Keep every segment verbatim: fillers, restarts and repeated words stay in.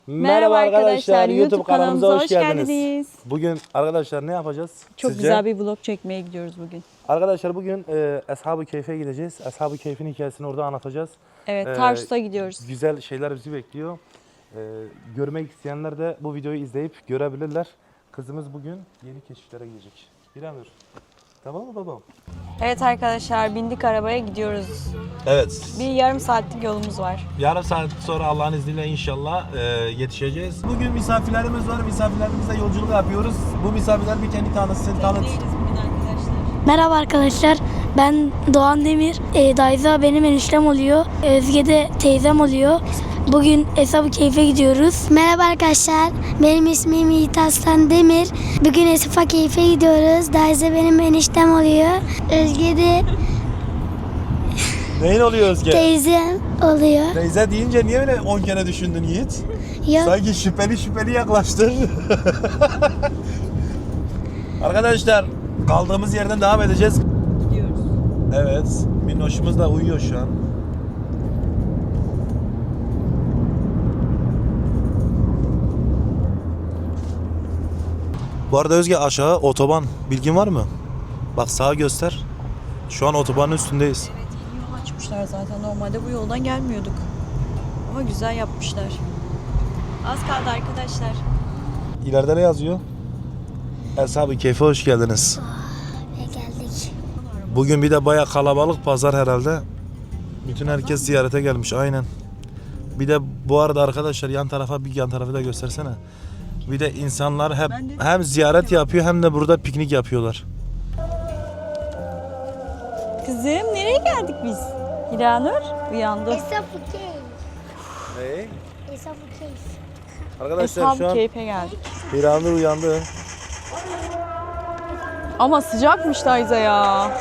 Merhaba arkadaşlar, YouTube kanalımıza hoş geldiniz. geldiniz. Bugün arkadaşlar ne yapacağız? Çok Sizce? güzel bir vlog çekmeye gidiyoruz bugün. Arkadaşlar bugün e, Ashab-ı Keyf'e gideceğiz. Ashab-ı Keyf'in hikayesini orada anlatacağız. Evet, Ee, Tarsus'a gidiyoruz. Güzel şeyler bizi bekliyor. Ee, görmek isteyenler de bu videoyu izleyip görebilirler. Kızımız bugün yeni keşiflere gidecek. İremur. Tamam mı babam? Evet arkadaşlar, bindik arabaya gidiyoruz. Evet. Bir yarım saatlik yolumuz var. Yarım saat sonra Allah'ın izniyle inşallah e, yetişeceğiz. Bugün misafirlerimiz var. Misafirlerimizle yolculuk yapıyoruz. Bu misafirler bir kendi tanıtsın, tanıt. bugün arkadaşlar. Merhaba arkadaşlar, ben Doğan Demir. E, Dayza benim eniştem oluyor. Özge de teyzem oluyor. Bugün Ashab-ı Keyf'e gidiyoruz. Merhaba arkadaşlar, benim ismim Yiğit Aslan Demir. Bugün Ashab-ı Keyf'e gidiyoruz. Dayza benim eniştem oluyor. Özge de Neyin oluyor Özge? teyzem oluyor. Teyze deyince niye öyle on kere düşündün Yiğit? Yok. Sanki şüpheli şüpheli yaklaştın. Arkadaşlar kaldığımız yerden devam edeceğiz. Gidiyoruz. Evet, Minnoş'umuz da uyuyor şu an. Bu arada Özge aşağı otoban bilgin var mı? Bak sağa göster. Şu an otobanın üstündeyiz. Evet, yeni yol açmışlar zaten. Normalde bu yoldan gelmiyorduk. Ama güzel yapmışlar. Az kaldı arkadaşlar. İleride ne yazıyor? Ashab-ı Keyf'e hoş geldiniz. Ve geldik. Bugün bir de bayağı kalabalık pazar herhalde. Bütün herkes ziyarete gelmiş aynen. Bir de bu arada arkadaşlar yan tarafa bir yan tarafı da göstersene. Bir de insanlar hep hem ziyaret yapıyor hem de burada piknik yapıyorlar. Kızım, nereye geldik biz? Hiranur uyandı. Ashab-ı Keyf. Ne? Ashab-ı Keyf. Arkadaşlar şu Ashab-ı an Keyf'e geldik. Hiranur uyandı. Ama sıcakmış Dayza ya.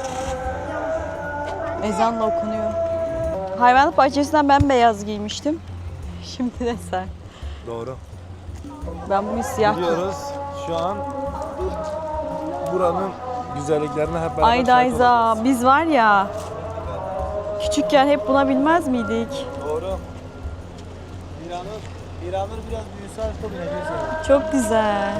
Ezan da okunuyor. Hayvanat bahçesinden ben beyaz giymiştim. Şimdi de sen. Doğru. Ben bugün siyah giydim. Gidiyoruz. Şu an buranın güzelliklerine hep beraber Ay şahit Dayza, olacağız. biz var ya küçükken hep buna bilmez miydik? Doğru. Hiranur, Hiranur biraz büyüse aşkı bineceğiz yani. Çok güzel.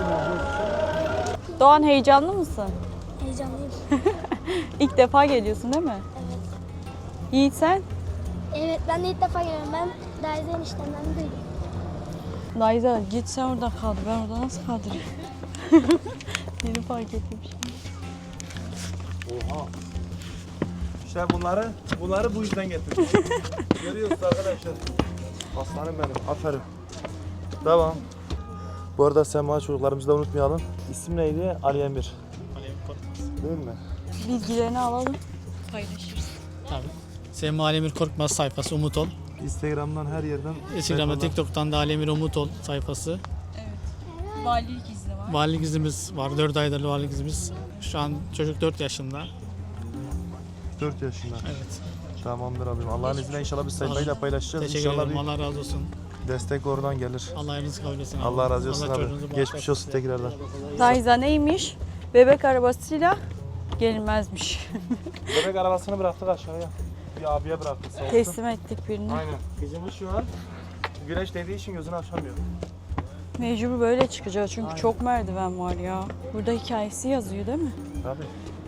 Doğan, heyecanlı mısın? Heyecanlıyım. İlk defa geliyorsun değil mi? Evet. Yiğit sen? Evet, ben de ilk defa geliyorum. Ben Dayza eniştemden duydum. Dayza git sen orada kaldır. Ben orada nasıl kaldırayım? Yeni fark ettim şimdi. Oha. İşte bunları, bunları bu yüzden getirdim. Görüyorsunuz arkadaşlar. Aslanım benim, aferin. Tamam. Bu arada Sema çocuklarımızı da unutmayalım. İsim neydi? Ali Emir. Ali Emir Korkmaz. Değil mi? Bilgilerini alalım. Paylaşırız. Tabii. Sema Ali Emir Korkmaz sayfası Umut Ol. Instagram'dan her yerden. Instagram'da, telefondan- TikTok'tan da Ali Emir Umut Ol sayfası. Valilik izni var. Valilik izimiz var. dört aydır valilik izimiz. Şu an çocuk dört yaşında. dört yaşında. Evet. Tamamdır abim. Allah'ın izniyle inşallah biz sayfayı da paylaşacağız. Teşekkür İnşallah ederim. bir Allah razı olsun. destek oradan gelir. Allah ayrınızı kabul etsin. abi. Allah razı olsun Allah abi. çocuğunuzu Geçmiş bağışlasın. olsun tekrardan. Dayza neymiş? Bebek arabasıyla gelinmezmiş. Bebek arabasını bıraktık aşağıya. Bir abiye bıraktık sağ olsun. Teslim ettik birini. Aynen. Kızımız şu an güneş değdiği için gözünü açamıyor. Mecbur böyle çıkacağız çünkü Aynen. çok merdiven var ya. Burada hikayesi yazıyor değil mi? Tabii.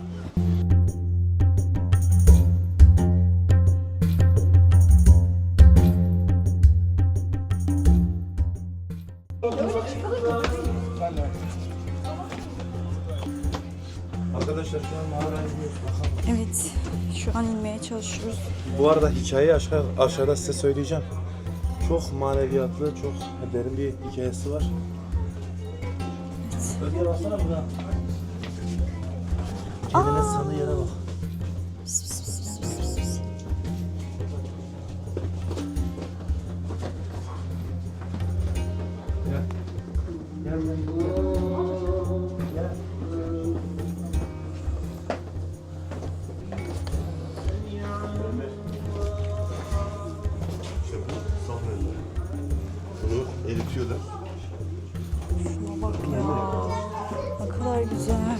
Arkadaşlar şu an mağaraya iniyoruz. Bakalım. Evet. Şu an inmeye çalışıyoruz. Bu arada hikayeyi aşağı, aşağıda size söyleyeceğim. Çok maneviyatlı, çok derin bir hikayesi var. Özge baksana burada. Kendine sandığı yere bak. Gel. Gel gel. Gel. İşte bu son ürünler. Bunu eritiyorlar. Şuna bak ya. Ne kadar güzel.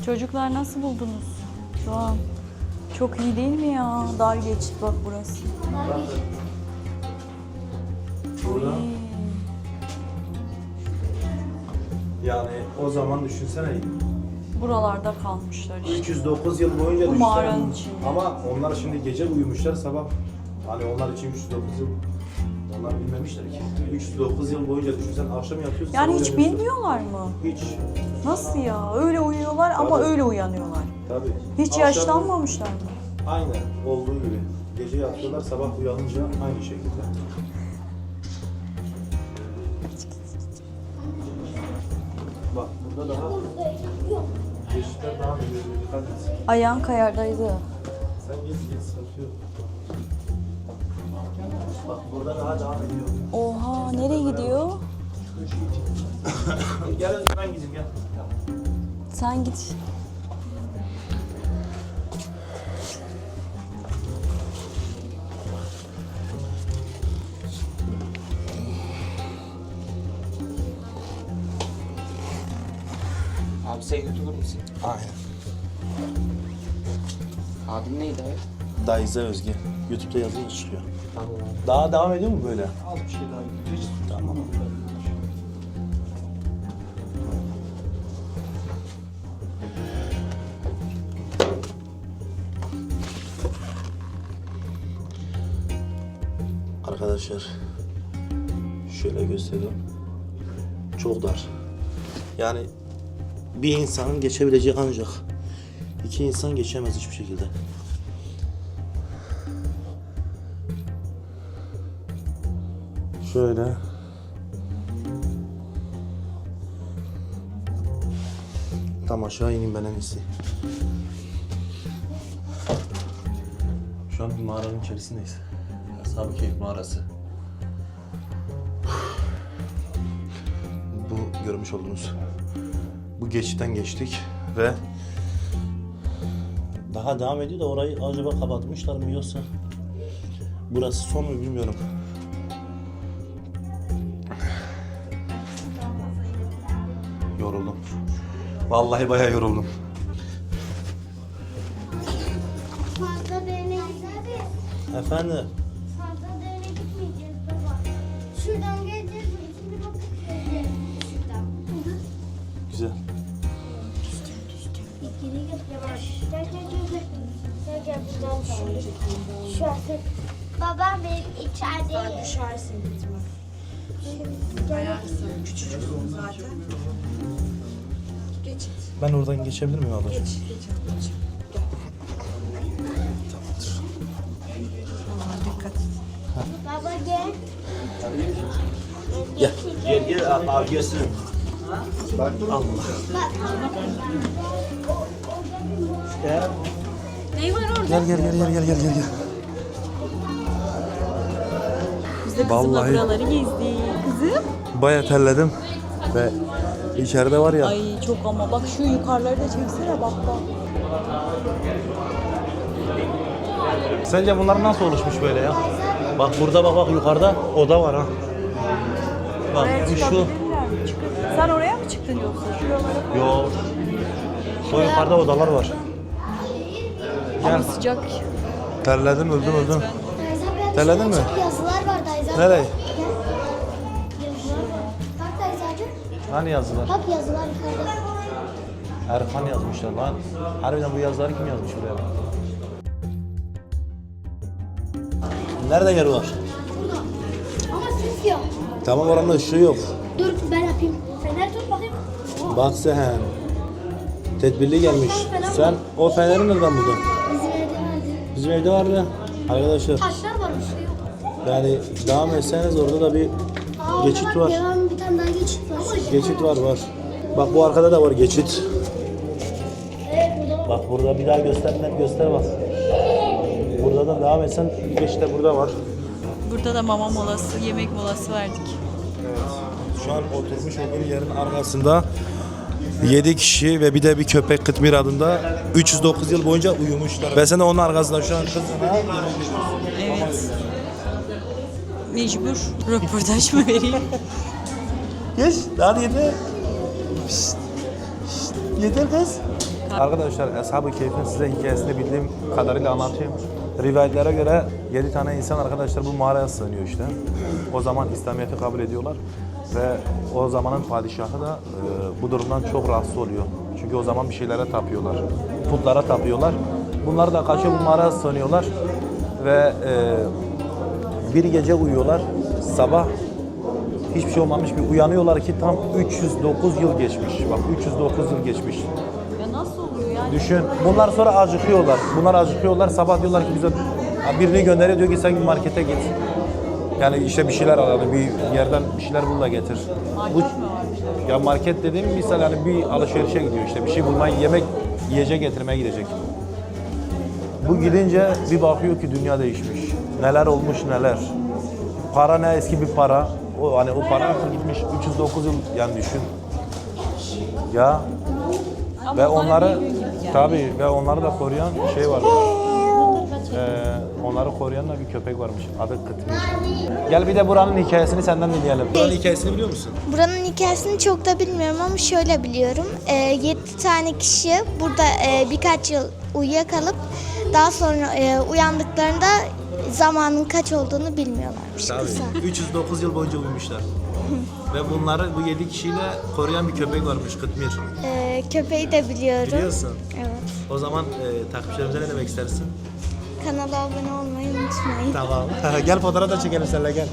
Çocuklar nasıl buldunuz şu an? Çok iyi değil mi ya? Dar geçit bak burası. Burada. Oy. Yani o zaman düşünsene. Buralarda kalmışlar işte. üç yüz dokuz yıl boyunca Bu düşünsene. mağaranın içinde. Ama onlar şimdi gece uyumuşlar sabah. Hani onlar için üç yüz dokuz yıl onlar bilmemişler ki. üç yüz dokuz yıl boyunca düşünsen akşam yatıyorsun. Yani sabah hiç uyanıyorsun. bilmiyorlar mı? Hiç. Nasıl ya? Öyle uyuyorlar ama Tabii. öyle uyanıyorlar. Tabii. Hiç Akşam- yaşlanmamışlar mı? Aynen olduğu gibi. Gece yatıyorlar sabah uyanınca aynı şekilde. Bak burada daha geçişler daha büyük. Dikkat et. Ayağın kayardaydı. Sen git git sıkıntı yok. Bak burada daha devam ediyor. Oha, nereye gidiyor? Gel Özgür, ben gideyim gel. Sen git. Abi sen YouTuber musun? Aynen. Adın neydi abi? Daize Özge. YouTube'da yazılı çıkıyor. Tamam abi. Daha devam ediyor mu böyle? Az bir şey daha gidiyor. Hiç Tamam. Arkadaşlar şöyle göstereyim. Çok dar. Yani bir insanın geçebileceği ancak iki insan geçemez hiçbir şekilde. Şöyle. Tam aşağı ineyim ben en iyisi. Şu an bir mağaranın içerisindeyiz. Ashab-ı Kehf mağarası. Bu görmüş olduğunuz bu geçitten geçtik ve daha devam ediyor da orayı acaba kapatmışlar mı yoksa burası son mu bilmiyorum. Yoruldum. Vallahi bayağı yoruldum. Fazla derine gitmeyeceğiz. Efendim? Fazla derine gitmeyeceğiz baba. Şuradan geleceğiz. Şimdi bak. Şuradan. Güzel. Geri gel. Yavaş. Gel gel gel. Gel gel, gel buradan şöyle. Şu artık. Babam benim içerideyim. Sen düşersin gitme. Ben oradan geçebilir miyim abla? Geç. Baba gel. Gel. Gel gel abi, abi gelsin. Allah. Ne var orada? Gel gel gel gel gel gel gel. gel. Biz de kızımla Vallahi- buraları gezdik. Kızım. Bayağı terledim ve içeride var ya. Ay çok ama bak şu yukarıları da çeksene bak bak. Sence bunlar nasıl oluşmuş böyle ya? Bak burada bak bak yukarıda oda var ha. Bak Oraya bu şu. çıkabilirler mi? Çıkın. Sen oraya mı çıktın yoksa? Şuralara Yok. Şu yukarıda odalar var. ama sıcak. Terledim öldüm öldüm. Dayza, Terledin mi? Çok yazılar var Dayza. Nereye? Gel. Yazılar var. Bak Dayza abi. Hani yazılar? Bak yazılar yukarıda. Erkan yazmışlar lan. Harbiden bu yazıları kim yazmış buraya bak. Nerede yer var? Ama ses yok. Tamam oranın ışığı yok. Dur ben yapayım. Fener tut bakayım. Bak sen. Tedbirli gelmiş. Sen o feneri nereden buldun? Bizim evde vardı. Bizim evde vardı. Arkadaşlar Taşlar var bir şey yok. yani devam etseniz orada da bir Aa, geçit orada bak, var. Devam bir tane daha geçit var. Geçit var var. Bak bu arkada da var geçit. Evet burada var. Bak burada bir daha göster net göster bak. Burada da devam etsen geçit de burada var. Burada da mama molası, yemek molası verdik. Şu an oturmuş olduğum yerin arkasında yedi kişi ve bir de bir köpek Kıtmir adında üç yüz dokuz yıl boyunca uyumuşlar. Ve sen de onun arkasında şu an kızına Evet. Mecbur röportaj mı vereyim? geç hadi yeter. Şşt, şşt, yeter kız. Arkadaşlar Eshab-ı Keyf'in size hikayesini bildiğim kadarıyla anlatayım. Rivayetlere göre yedi tane insan arkadaşlar bu mağaraya sığınıyor işte. O zaman İslamiyet'i kabul ediyorlar ve o zamanın padişahı da e, bu durumdan çok rahatsız oluyor. Çünkü o zaman bir şeylere tapıyorlar, putlara tapıyorlar. Bunlar da kaçıyor bu mağaraya sığınıyorlar ve e, bir gece uyuyorlar, sabah hiçbir şey olmamış bir uyanıyorlar ki tam üç yüz dokuz yıl geçmiş. Bak üç yüz dokuz yıl geçmiş. Ya nasıl oluyor yani? Düşün. Bunlar sonra acıkıyorlar. Bunlar acıkıyorlar. Sabah diyorlar ki bize birini gönderiyor diyor ki sen markete git. Yani işte bir şeyler al, yani bir yerden bir şeyler bul da getir. Bu, ya market dediğim misal yani bir alışverişe gidiyor işte bir şey bulmaya, yemek, yiyecek getirmeye gidecek. Bu gidince bir bakıyor ki dünya değişmiş. Neler olmuş neler. Para ne eski bir para. O hani o para artık gitmiş üç yüz dokuz yıl yani düşün. Ya ve onları tabii ve onları da koruyan şey var. Ee, onları koruyan da bir köpek varmış. Adı Kıtmir. Gel bir de buranın hikayesini senden dinleyelim. Buranın hikayesini biliyor musun? Buranın hikayesini çok da bilmiyorum ama şöyle biliyorum. Ee, yedi tane kişi burada e, birkaç yıl uyuyakalıp daha sonra e, uyandıklarında zamanın kaç olduğunu bilmiyorlarmış. Kısa. Tabii. üç yüz dokuz yıl boyunca uyumuşlar. Ve bunları bu yedi kişiyle koruyan bir köpek varmış Kıtmir. Ee, köpeği de biliyorum. Biliyorsun. Evet. O zaman e, takipçilerimize ne demek istersin? Kanala abone olmayı unutmayın. Tamam. Gel fotoğraf da çekelim seninle gel.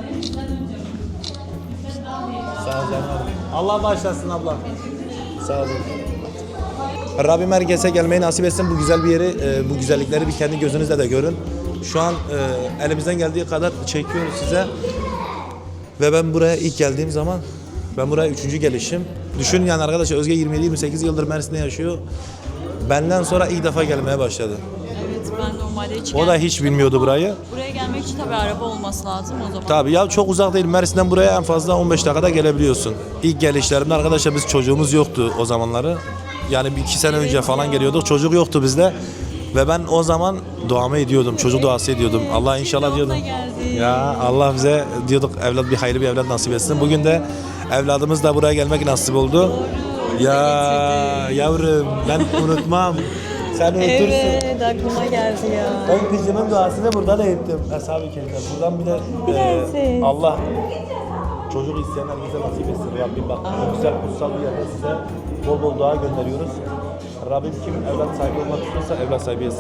Sağ ol canım. Allah bağışlasın abla. Sağ olun. Rabbim herkese gelmeyi nasip etsin. Bu güzel bir yeri, e, bu güzellikleri bir kendi gözünüzle de görün. Şu an e, elimizden geldiği kadar çekiyoruz size. Ve ben buraya ilk geldiğim zaman, ben buraya üçüncü gelişim. Düşünün yani arkadaşlar Özge yirmi yedi yirmi sekiz yıldır Mersin'de yaşıyor. Benden sonra ilk defa gelmeye başladı. Evet, ben normalde hiç O da hiç bilmiyordu burayı. Buraya gelmek için tabii araba olması lazım o zaman. Tabii ya çok uzak değil. Mersin'den buraya en fazla on beş dakikada gelebiliyorsun. İlk gelişlerimde arkadaşlar biz çocuğumuz yoktu o zamanları. Yani bir iki sene önce falan geliyorduk. Çocuk yoktu bizde. Ve ben o zaman duamı ediyordum. Çocuk duası ediyordum. Allah inşallah diyordum. Ya Allah bize diyorduk evlat bir hayırlı bir evlat nasip etsin. Bugün de evladımız da buraya gelmek nasip oldu. Ya yavrum ben unutmam. Sen unutursun. Evet, aklıma geldi ya. Ben kızımın duasını buradan ettim. Eshab-ı Keyif'ten. Buradan bir de e, Allah çocuk isteyen herkese nasip etsin. Rabbim bak bu güzel kutsal bir yerde size bol bol dua gönderiyoruz. Rabbim kim evlat sahibi olmak istiyorsa evlat sahibi etsin.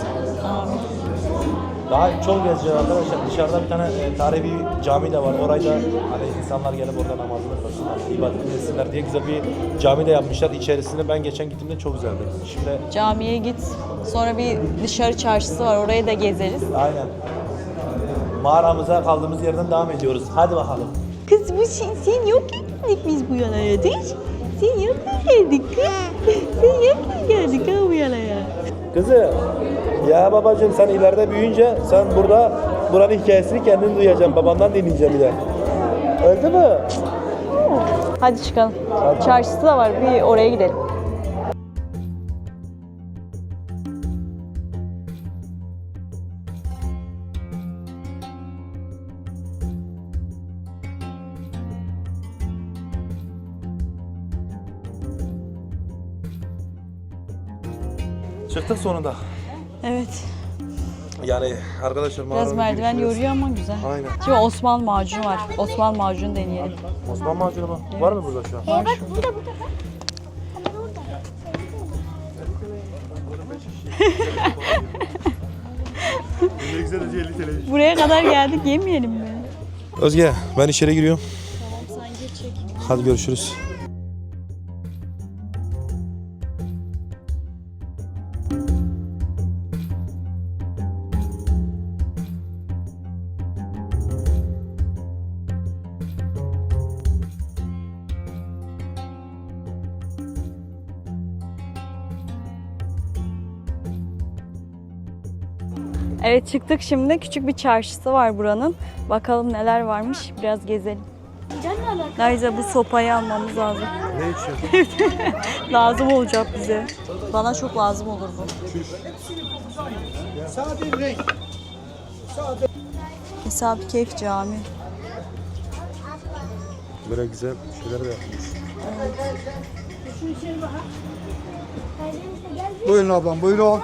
Daha çok gezeceğiz arkadaşlar. Dışarıda bir tane e, tarihi bir cami de var. Orayı da hani insanlar gelip orada namazını kılsınlar, ibadetini etsinler diye güzel bir cami de yapmışlar. İçerisinde ben geçen gittiğimde çok güzeldi. Şimdi Camiye git. Sonra bir dışarı çarşısı var. Orayı da gezeriz. aynen. Mağaramıza kaldığımız yerden devam ediyoruz. Hadi bakalım. Kız bu sen, sen yok ettik biz bu yana değil. Sen yok geldik kız. Sen yok geldik ha bu yana ya. Kızım, ya babacığım sen ileride büyüyünce sen burada buranın hikayesini kendin duyacaksın. Babandan dinleyeceğim bir de. Öldü mü? Hadi çıkalım. Çarşısı da var. Bir oraya gidelim. Çıktık sonunda. Evet. Yani arkadaşlar Biraz mağaranın merdiven girişi- yoruyor ama güzel. Aynen. Şimdi Osman macunu var. Osman macunu deneyelim. Osman macunu mu? Var mı burada şu an? Ee, bak burada burada. Ama burada. Ne güzel önce elli televizyon. Buraya kadar geldik yemeyelim mi? Özge ben içeri giriyorum. Hadi görüşürüz. Evet çıktık şimdi. Küçük bir çarşısı var buranın. Bakalım neler varmış. Biraz gezelim. Neyse bu sopayı almamız lazım. Ne içiyorsun? Lazım olacak bize. Bana çok lazım olur bu. Eshab-ı Keyf Cami. Böyle güzel şeyler de yapmış. Buyurun ablam, buyurun.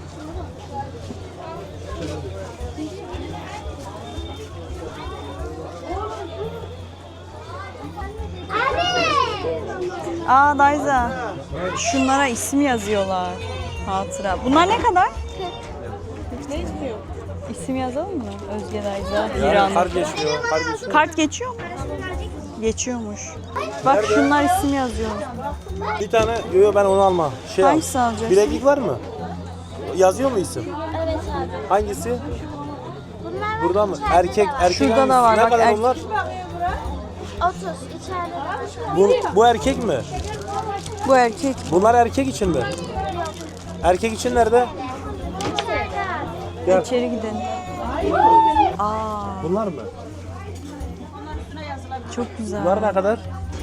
Aa Dayza. Şunlara isim yazıyorlar. Hatıra. Bunlar ne kadar? Ne istiyor? İsim yazalım mı? Özge Dayza, Hiranur. Kart geçmiyor, kart geçiyor. Kart geçiyor mu? Geçiyormuş. Bak şunlar isim yazıyor. Bir tane, yok yok ben onu alma. Şey al. Hangisi alacaksın? Bileklik var mı? Yazıyor mu isim? Evet abi. Hangisi? Bunlar Burada mı? Erkek, erkek Şurada hangisi? da var, Ne bak, kadar erkek. onlar? otuz içeride. Bu, bu erkek mi? Bu erkek. Bunlar erkek için mi? Erkek için nerede? Gel. İçeri gidelim. Aa, Bunlar mı? çok güzel. Bunlar ne kadar?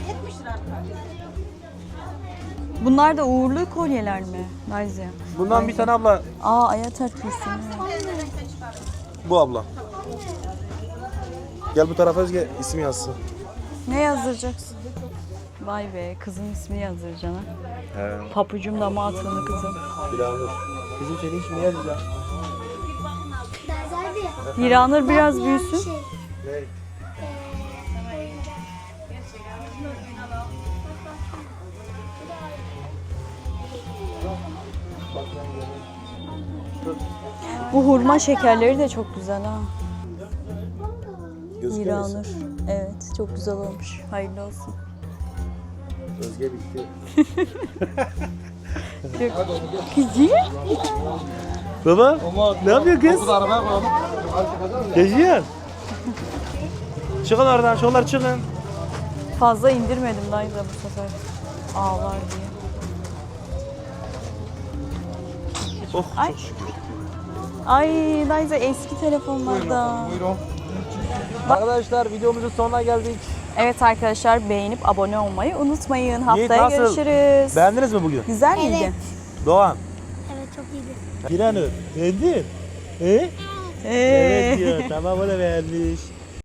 Bunlar da uğurlu kolyeler mi? Dayza. Bundan bir tane abla. Aa, Ayater Kürsü. Bu abla. Gel bu tarafa Özge isim yazsın. Ne yazdıracaksın? Vay be, kızın ismini yazdıracaksın ha. He. Papucum da atıldı kızım. Bilanur. Bizim senin ismini yazacağım. Hiranur biraz büyüsün. Ne? Bu hurma şekerleri de çok güzel ha. Gözüküyor musun? Hiranur. Evet, çok güzel olmuş. Hayırlı olsun. Özge bitti. Kızım. Baba ne yapıyor kız? Geziyor. Çıkın oradan, şunlar çıkın. Fazla indirmedim Dayza bu sefer. Ağlar diye. Oh, Ay. Ay Dayza eski telefonlarda. Buyurun. Arkadaşlar videomuzun sonuna geldik. Evet arkadaşlar, beğenip abone olmayı unutmayın. Yiğit, Haftaya nasıl? görüşürüz. Beğendiniz mi bugün? Güzel miydi? Doğan. Evet çok iyiydi. Hiranur. Beğendin? He? Ee. Evet diyor. Tamam o da beğenmiş.